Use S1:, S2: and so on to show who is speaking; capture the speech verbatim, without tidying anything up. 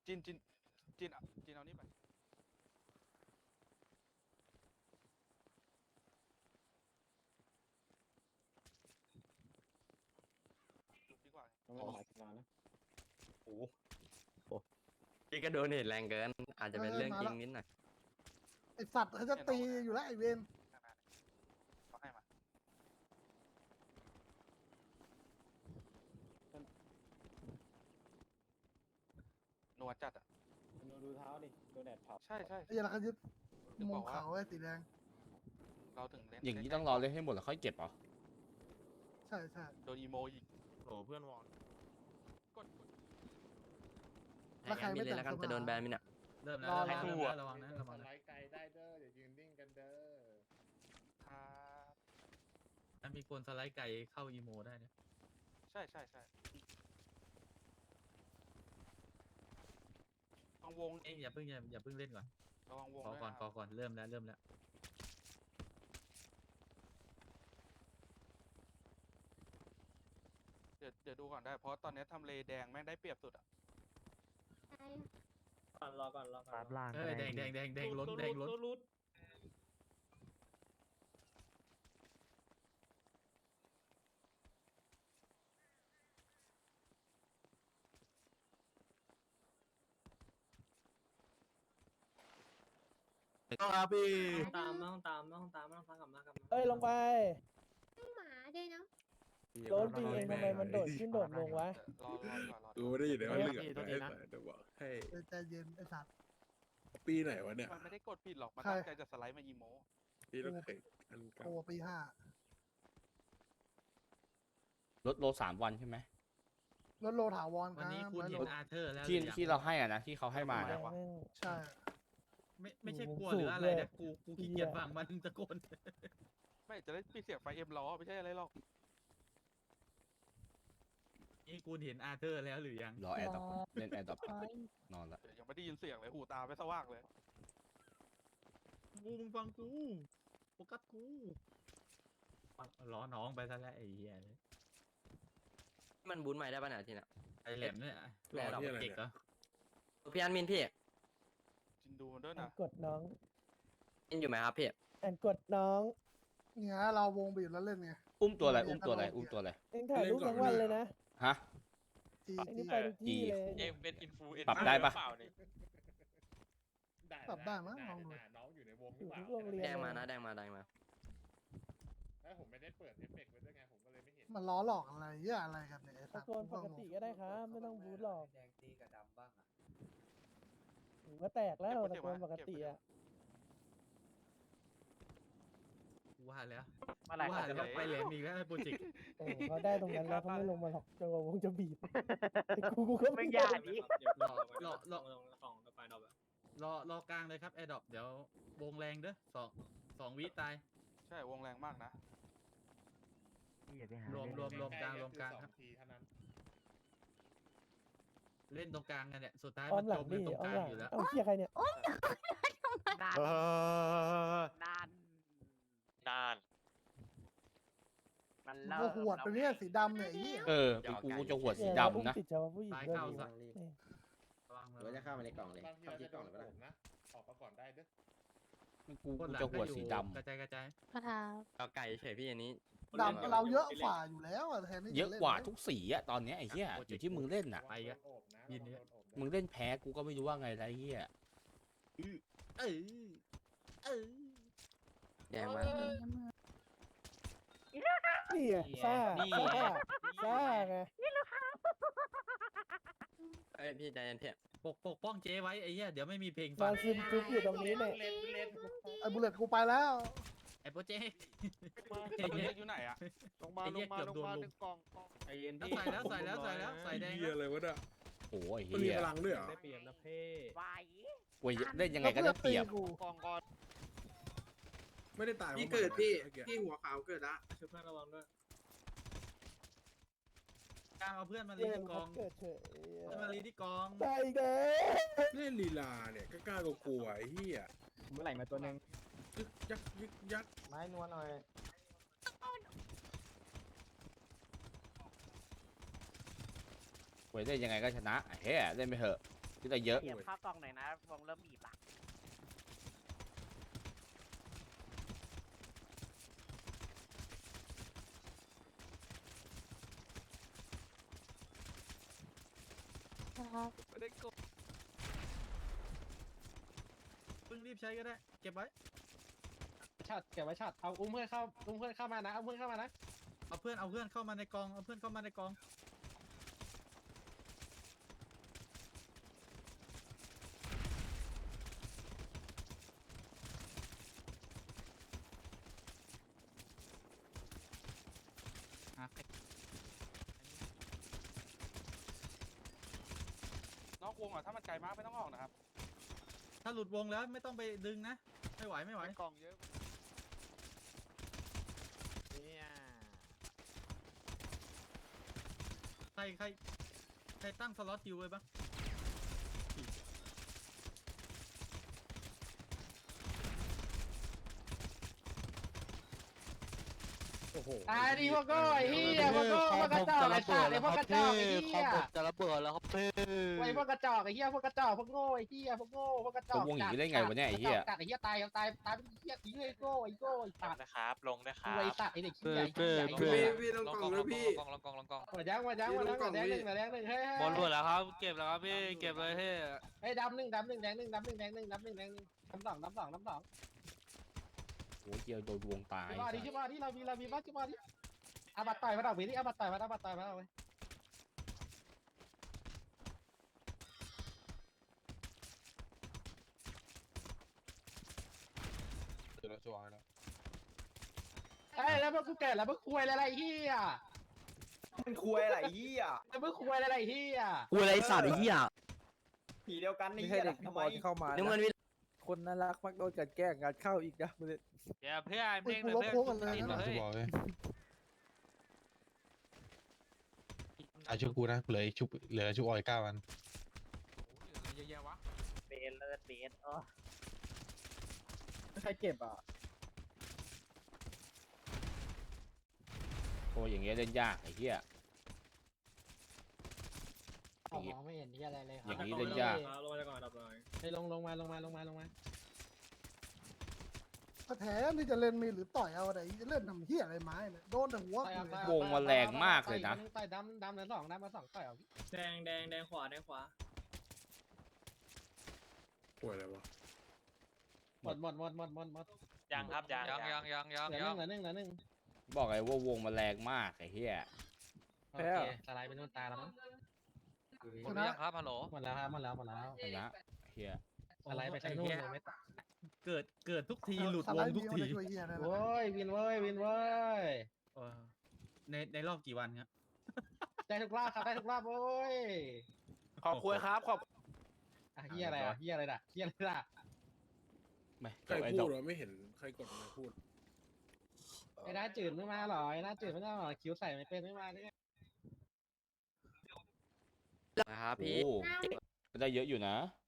S1: จินจินจินจินเอานี่ไปดีกว่า
S2: ต้องไม่หลายนานนะ
S3: โอ้โหพี่ก็โดนเห็นแรงเกิน อาจจะเป็นเรื่องจริงนิดหน่อย
S4: ไอสัตว์เขาจะตีอยู่แล้วไอเวน
S1: เขาให้มาหนวดจัดอ่ะ
S2: ดูดูเท้าดิโดนแดดเผา
S1: ใช่ใช่
S4: ไอ้ยันเขายึด
S1: ถึง
S4: มุ
S1: บ
S4: ม
S1: อกว่า
S4: เขาไอ้สีแดง
S1: เราถึงเล่น
S5: อย่างนี้ต้องรอเล่นให้หมดแล้วค่อยเก็บเหรอ
S4: ใช่ใช่
S1: โดนอีโมอีก
S3: โอ้เพื่อนวอน
S1: กดกด
S4: แล้วใครไม่
S3: เลย
S4: แต่ง
S3: แล้วกัน
S4: สภา
S3: จะโดนแบนมิน่ะ
S6: เริ่มแล้ว
S4: รอ
S6: เริ่ม
S4: รอ
S6: แล้วระวังนะระวัง
S2: ส
S6: นะ
S2: ไลด์ไกลได้เด้ออย่ายืนนิ่งกันเด้อ
S1: ครับ
S6: ถ้ามีคนสไลด์ไก่เข้าอีโมได้นะ
S1: ใช่ใช่ใช่ระวังวง
S6: เอ้ยอย่าเพิ่งอย่าอย่าเพิ่งเล่นก่อน
S1: ระวังวง
S6: ขอ
S1: ด้วย
S6: ก่อน
S1: นะ
S6: ขอก่อนเริ่มแล้วเริ่มแล้ว
S1: เดี๋ยวเดี๋ยวดูก่อนได้เพราะตอนนี้ทำเลแดงแม่งได้เปรียบสุดอ่ะ
S2: ก่อนรอก่อนรอก่อน
S7: ปาบล่าง
S6: เอ้ยแดงแดงแดงแดงล้นแดงล้น
S2: รุด
S3: ต้องครับพี่
S2: ตามต้องตามต้องตามต้องตามกลับมากลับมา
S8: เอ้ยลงไป
S9: หมาด้วยเนาะ
S8: โดนปีเองทำไมมันโดดขึ้นโดดลงวะ
S1: รอรอดีกว่ารอดี
S10: ดู
S1: กว่า
S10: ได้ยินว่า
S8: เฮ้ย
S10: เลือดไอ้สายจะบอกให้
S4: เออใจเย็นไอสัตว์
S10: ปีไหนวะเนี่ย
S1: มันไม่ได้กดผิดหรอกมัน
S4: ใคร
S1: ตั้งใจจะสไลด์มาอีโม
S10: พี่ต้องเคยอันเก่า
S4: โอ้ปีห้า
S5: ลดโลสามวันใช่ไหม
S4: รถโลถาวรค
S6: วัน
S4: รับ
S6: นี้คุณเห็นอาเธอร์แล้ว
S5: ที่
S6: หรือยัง
S5: ที่เราให้อ่ะนะที่เขาให้มา
S8: แม่
S5: นะ
S8: งแม่ง
S4: ใช่
S6: ไม่ไม่ใช่กลัว
S8: สู
S6: ห
S8: บ
S6: รืออะไร
S8: เลย
S6: นะกูกูขี้เกียจฟังมันตะโกน
S1: ไม่จะได้ปิดเสียงไฟเอ็มล้อไม่ใช่อะไรหรอก
S6: นี่กูเห็นอาเธอร์แล้วหรือยัง
S5: รอแอร์ดรอปเล่นแอร์ดรอปนอนละ
S1: เดี๋ยวยังไม่ได้ยินเสียงเลยหูตาไม่สว่างเลย
S6: กูมึงฟังกูโฟกัสกูล้อน้องไปซะแล้วไอ้เหี้ย
S3: มันบูนใหม่ได้ป่ะเนี่ยทีน่ะ
S6: ไอ้แหลมเนี่ยรอดอกเด็กเหรอ
S3: พี่อันมินพี่
S1: จินดูมันด้วย
S8: อ่าน
S1: นะ
S8: กดน้อง
S3: มินอยู่ไหมครับพี่
S8: อ่านกดน้อง
S4: เนี่ยเราวงบีบแล้วเล่นไง
S5: อุ้มตัวอะไรอุ้มตัวอะไรอุ้มตัวอะไร
S8: เอ็งถ่ายรูปทั้งวันเลยนะ
S5: ฮะ
S4: จี
S8: เอ็ง
S4: จี
S8: นี่ไปทุกที่เลย
S3: เอ็มเป็นอินฟลูเอน
S5: ปรับได้ปะ
S4: ปรับได้มั้งลองดู
S2: น้องอยู่ในวง
S8: อยู่ทุกโรงเรียน
S3: แดงมานะแดงมาแดงมา
S2: แล้วผมไม่ได้เปิดเอฟเฟกต์ไว้ด้วยไงผมก็เลยไม่เห็น
S4: มันล้อหลอกอะไรเหี้ยอะไรกันเนี่ยไอ้สั
S8: ตะ
S4: ตว์
S8: โกนปกติก็ได้ครับ ไม่ต้องบูทหรอก
S7: แดงตีกับดำบ้างอ่ะ
S8: หูก็แตกแล้วตะโกนปกติอ่ะ
S6: กูว่าแล้ว
S7: เมื่อไหร่
S6: กูว่า
S7: เขาจะ
S6: แล้
S7: ล
S6: ว
S7: ง
S6: ไปแหลมอีกแล้วไอ้โปรเจกต์
S8: โอ้เขาได้ตรงนั้นแล้วเขาไม่ลงมาหรอกจังหวะวงจะบีบแต่กูกูก็ไม่
S7: ไม่
S8: ยาย
S7: าก กดิ
S6: รอรอรอ
S2: ลงกล่องไปดอกอะ
S6: รอรอกลางเลยครับแอร์ดรอปเดี๋ยววงแรงเด้อสองสองวิตาย
S1: ใช่วงแรงมากนะ
S7: อย่าไปหาร
S6: วมรวมรวมกลางรวมกลาง
S2: สอ
S6: ครับ
S2: ทีเท่านั้น
S6: เล่นตรงกลางกันเนี่ยสุดท้าย
S8: อ้อ
S6: มั
S8: ม
S6: น
S8: หลั
S6: จ
S8: ง
S6: ม
S8: ดิ
S6: กันตรง
S8: อ้อก ม
S6: ลาง
S8: หลัง
S6: อยู่แล้ว
S8: เอาเชียร์ใครเนี่ย
S7: นานนาน
S3: นาน
S7: มัน
S4: ก็หวดไปเนี่ยสีดำเนี่ยไอ้เหี้ย
S5: เออเป็นกูกูจะหัวสี
S8: เนี่ยเราอุ้ม
S5: ดำนะ
S8: ติดเฉพาะผู้หญิง
S6: ซ้าย
S8: ด้วย
S6: เข้า
S8: ดิ
S6: ซะ
S8: นี่
S6: ระวัง
S2: หรือว่าจะเข้ามาในกล่องเลยบางทีเราจะโดนผมนะออกมาก่อนได้เด้อ
S5: กู
S6: คน
S5: กู
S6: หลัง
S5: จะ
S6: ก็
S5: หัว
S6: อยู่
S5: สีดำ
S6: กระจายกระจาย
S9: กระทา
S3: เอาไก่เฉยพี่อันนี้
S4: ดำเราเยอะฝ่าอยู่แล้วอะแทนที่จ
S5: เยอะ
S4: ล่น
S5: กว่าทุกสีอะตอนเนี้ยไอ้เหี้ยอยู่ที่มึงเล่นน่ะ
S6: ไปอะ
S2: โดนโอบนะ
S6: ยินดี
S2: โดนโอบนะ
S5: มึงเล่นแพ้กูก็ไม่รู้ว่าไงไรเหี้ย
S6: เออเออ
S3: แดงมา
S8: นี่ไงซ่าซ่าซ่าไง
S3: เอ้ยพี่ใจเย็นพี่
S6: ปกปกป้องเจ๊ไว้ไอ้เหี้ยเดี๋ยวไม่มีเพลง
S8: น
S6: ฟั
S8: อง นซึมจุ๊บอยู่ตรงนี้เนี่ย
S2: เล่นเล่น
S4: ไอ้บุลเลตกูไปแล้ว
S6: ไอ้โปรเจกต์
S1: เด็กอยู่ไหนอ่ะ
S6: ลงมาลงมาลงมาหนึ่งกล่อง
S2: ไอเย็น
S6: แล้วใส่แล้วใส่แล้วใส่แล้วใส่แดง
S10: เฮียอะไรวะเนี่ย
S5: โอ้ย
S10: มันมี
S5: เหี้ย
S10: พลังด้วยเหรอ
S2: ได้เปรียบนะเพ่
S7: ไหว
S5: กูเล่นยังไงก็ได้เปรียบ
S4: กู
S7: กองก่อน
S10: ไม่ได้ตาย
S11: พี่เกิดพี่
S10: มื่อ
S11: พี่หัวขาวเกิดละ
S2: ช่วยเพื่อนระวังด้วย
S6: กลางเอาเพื่อนมาลี
S8: เนี่ย
S6: ที่ก
S8: เขา
S6: อง
S8: เกิดเฉย
S6: เพื่อนมาลีที่กอง
S8: ใช่เด้อ
S10: เล่นลีลาเนี่ยก็กล้ากลัวไอ้เหี้ย
S2: เมื่อไหร่มาตัวนึง
S10: ยึกยักยึกยัก
S2: ไม้นวลหน่อย
S5: กูเล่นยังไงก็ชนะไอ้เหี้ยเล่นไปเถอะที่ได้เยอะ
S7: เก็บข้าวกล่องหน่อยนะวงเริ่มบีบละ
S1: ไม่ได้กด
S6: เพิ่งรีบใช้ก็ได้ เก็บไว้
S8: ชัดเก็บไว้ชัดเอาอุ้มเพื่อนเข้าอุ้มเพื่อนเข้ามานะเอาเพื่อนเข้ามานะ
S6: เอาเพื่อนเอาเพื่อนเข้ามาในกองเอาเพื่อนเข้ามาในกอง
S1: นอกวงอ่ะถ้ามันไกลมากไม่ต้องออกนะครับ
S6: ถ้าหลุดวงแล้วไม่ต้องไปดึงนะ ไม่ไหวไม่ไหว
S1: กล่องเยอะ
S6: ใครใครใครตั้งสล็อตคิวไว้บ้าง
S8: ตายดิพวกโก้ไอ้เหี้ยพวกโก้พวกกระจอกไอ้สัตว์ไอ้พวกกระจอกไอ้เหี้ย
S1: จะระเบิดแล้วครับเพื่อ
S8: ไอ้พวกกระจอกไอ้เหี้ยพวกกระจอกพวกโง่ไอ้เหี้ยพวกโง่พวกกระจอก
S5: วงอย่างนี้ได้ไงวะเนี่ยไอ้เหี้ย
S8: กัดไอ้เหี้ยตายเอาตายตายเป็นเหี้ยทิ้งเลยโก้ไอ้โก้ไอ้สัตว์
S1: นะครับลงนะครั
S8: ไอ้
S1: บ
S8: สัตว์ไอ้เด็กขี้ใหญ่ขี้ใหญ่
S10: พี่พี่ต้องกล่องนะพี่
S1: ลองลองกองลองกอง
S8: หัวยักษ์หัวยักษ์หัวยักษ์หัวแดงหนึ่งหัวแดงหนึ่งเฮ้ย
S1: บอลเบิดแล้วครับเก็บแล้วครับพี่เก็บเลยเฮ้ย
S8: เฮ้ยดำหนึ่งดำหนึ่งแดงหนึ่งดำหนึ่งแดงหนึ่งดำหนึ่งแดงหนึ่งดำสองดำสองดำสอง
S5: โอ้ยเจียวโดนวงตาย
S8: ชิบะดิชิบะดิเรามีเรามีบ้าชิบะดิอาบัตต่อยมาดอกเบี้ยดิอาบัตต่อยมาอาบัตต่อยมาเอาไว้
S10: เดี๋ยวเราจะวางแล้ว
S8: เอ้ยแล้วพวกกูแก่แล้วพวกคุยอะไรเฮีย
S3: มันคุยอะไรเหี้ย
S8: แล้วพวกคุยอะไรเฮีย
S3: คุยอะไรสัตว์ไอ้เหี้ยผีเดียวกันนี่เหี้ยทำไมเข้ามาน้ำเงินวิ
S7: คนน่ารักมักโดนกัดแกล้งงัดเข้าอีกนะ
S1: เดี๋ยวเพื่อน
S4: อุ้ย
S1: เพ่ง
S4: กู
S1: เลย
S4: ลบ
S1: เพื่อน
S4: โค้งกันเลย
S1: ติด
S4: นะ
S1: มาเฮ้ย
S10: บอกเลยอาชุบกูนะเหลืออีกชุบเหลือชุบออยเก้าวัน
S1: เยอะแยะวะ
S7: เบนเลิศเบนเออ
S8: ใครเก็บอ่ะ
S5: โอ้ยอย่างเงี้ยเล่นยากไอ้เหี้ย
S8: มองไม่เห็นที่อะไรเลย
S5: อย่างนี้เล่นยาก
S6: ลงมาก่อนดับเลย
S8: ไปลงลงมาลงมาลงมาลงมา
S4: ก็แถมที่จะเล่นมีหรือต่อยเอาอะไรจะเล่นทำเหี้ยอะไรไม้เนี่ยโดนแต่หัวกูเลยว
S5: งมันแรงมากเลยนะ
S8: ต่อยดำดำเหลือสองดำมาสองต่อยเอา
S6: แดงแดงแดงขวาแดงขวา
S10: ป่วยอะไรวะ
S8: หมดหมดหมดหมดหมดหมด
S1: ยังครับยังยังยังยังยัง
S8: เหลือห
S1: ยั
S8: นึ่
S1: ง
S8: งเหลือหนึ่งเหลือหนึ่ง
S5: บอกไงว่าวงมันแรงมากไอ้เหี้ย
S8: โอเคสไลด์เป็นต้นตาแล้วมั้ง
S1: หมดหรือยังครับฮัลโหล
S8: หมดแล้วครับหมดแล้วหมดแล้ว
S5: ชนะเหี้ย
S8: สไลด์ไปทางนู้นเลยไม่ตัด
S6: เกิดเกิดทุกทีหลุด
S4: ส
S6: ว
S4: ไล
S6: ง
S4: ด์
S6: ทุก
S4: มี
S6: ที
S4: มาช่วยเหี้ยได้แล้ว
S8: โว้ยวินเว้ยวินเว้ย
S6: เออในในรอบกี่วันครับ
S8: ได้ทุกรอบครับได้ทุกรอบโว้ย
S3: ขอบคุณครับขอบ
S8: อ่ะเฮียอะไรอ่ะเฮียอะไรด่ะเฮียอะไรด่ะ
S5: ไม่
S10: ใคร
S5: ไอ้
S10: พู
S5: ดอ
S10: ด
S5: ก
S10: วะไม่เห็นใครกดมาพูด
S8: ไอ้หน้าจืดไม่มาหรอไอ้หน้าจืดไม่มาหรอคิ้วใส่ไม่เป็นไม่มาเนี่ย
S3: นะครับ
S5: โอ้
S3: พี่
S5: ก็ได้เยอะอยู่นะ